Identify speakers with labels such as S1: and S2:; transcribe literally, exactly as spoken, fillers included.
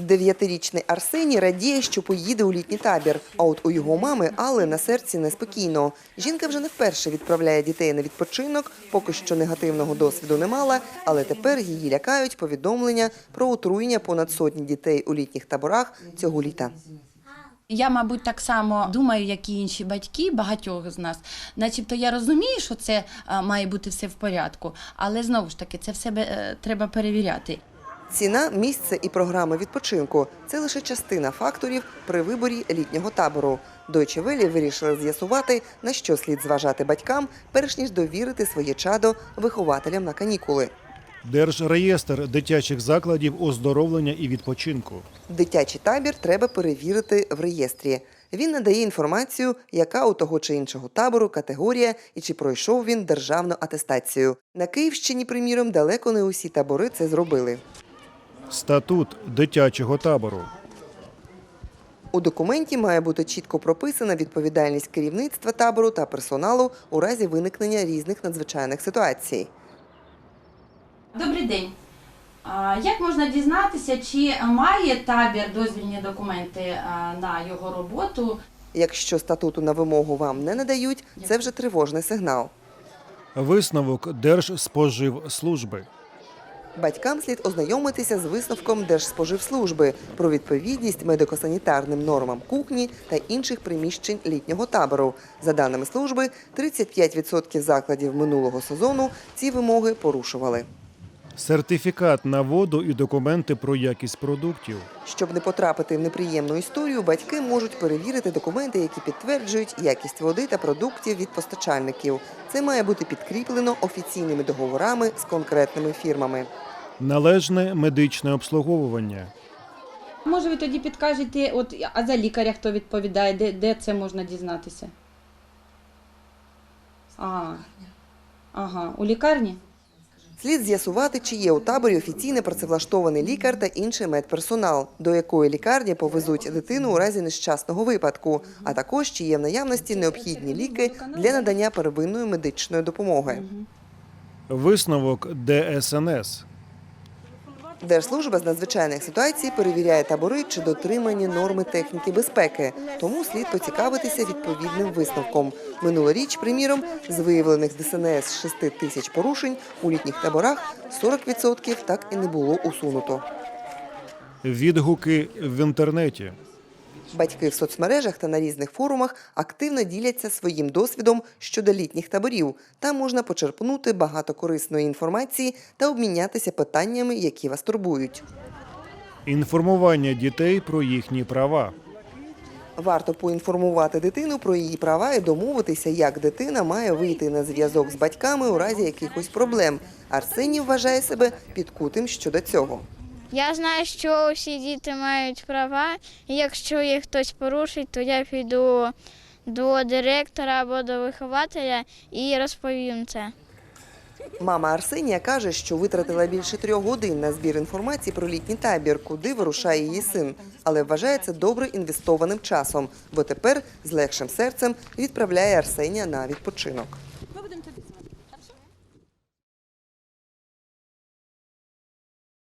S1: Дев'ятирічний Арсеній радіє, що поїде у літній табір. А от у його мами Алли на серці неспокійно. Жінка вже не вперше відправляє дітей на відпочинок, поки що негативного досвіду не мала, але тепер її лякають повідомлення про отруєння понад сотні дітей у літніх таборах цього літа.
S2: Я, мабуть, так само думаю, як і інші батьки, багатьох з нас. Начебто я розумію, що це має бути все в порядку, але знову ж таки це все треба перевіряти.
S1: Ціна, місце і програми відпочинку – це лише частина факторів при виборі літнього табору. Deutsche Welle вирішили з'ясувати, на що слід зважати батькам, перш ніж довірити своє чадо вихователям на канікули.
S3: Держреєстр дитячих закладів оздоровлення і відпочинку.
S1: Дитячий табір треба перевірити в реєстрі. Він надає інформацію, яка у того чи іншого табору категорія і чи пройшов він державну атестацію. На Київщині, приміром, далеко не усі табори це зробили.
S3: Статут дитячого табору.
S1: У документі має бути чітко прописана відповідальність керівництва табору та персоналу у разі виникнення різних надзвичайних ситуацій.
S2: Добрий день. Як можна дізнатися, чи має табір дозвільні документи на його роботу?
S1: Якщо статуту на вимогу вам не надають, це вже тривожний сигнал.
S3: Висновок Держспоживслужби.
S1: Батькам слід ознайомитися з висновком Держспоживслужби про відповідність медико-санітарним нормам кухні та інших приміщень літнього табору. За даними служби, тридцять п'ять відсотків закладів минулого сезону ці вимоги порушували.
S3: Сертифікат на воду і документи про якість продуктів.
S1: Щоб не потрапити в неприємну історію, батьки можуть перевірити документи, які підтверджують якість води та продуктів від постачальників. Це має бути підкріплено офіційними договорами з конкретними фірмами.
S3: Належне медичне обслуговування.
S2: Може, ви тоді підкажете, от, а за лікаря хто відповідає, де, де це можна дізнатися? А, ага, у лікарні?
S1: Слід з'ясувати, чи є у таборі офіційно працевлаштований лікар та інший медперсонал, до якої лікарні повезуть дитину у разі нещасного випадку, а також чи є в наявності необхідні ліки для надання первинної медичної допомоги.
S3: Висновок ДСНС.
S1: Держслужба з надзвичайних ситуацій перевіряє табори, чи дотримані норми техніки безпеки, тому слід поцікавитися відповідним висновком. Минулоріч, приміром, з виявлених ДСНС шести тисяч порушень у літніх таборах сорок відсотків так і не було усунуто.
S3: Відгуки в інтернеті.
S1: Батьки в соцмережах та на різних форумах активно діляться своїм досвідом щодо літніх таборів. Там можна почерпнути багато корисної інформації та обмінятися питаннями, які вас турбують.
S3: Інформування дітей про їхні права.
S1: Варто поінформувати дитину про її права і домовитися, як дитина має вийти на зв'язок з батьками у разі якихось проблем. Арсеній вважає себе підкутим щодо цього.
S4: Я знаю, що всі діти мають права, і якщо їх хтось порушить, то я піду до директора або до вихователя і розповім це.
S1: Мама Арсенія каже, що витратила більше трьох годин на збір інформації про літній табір, куди вирушає її син. Але вважає це добре інвестованим часом, бо тепер з легшим серцем відправляє Арсенія на відпочинок.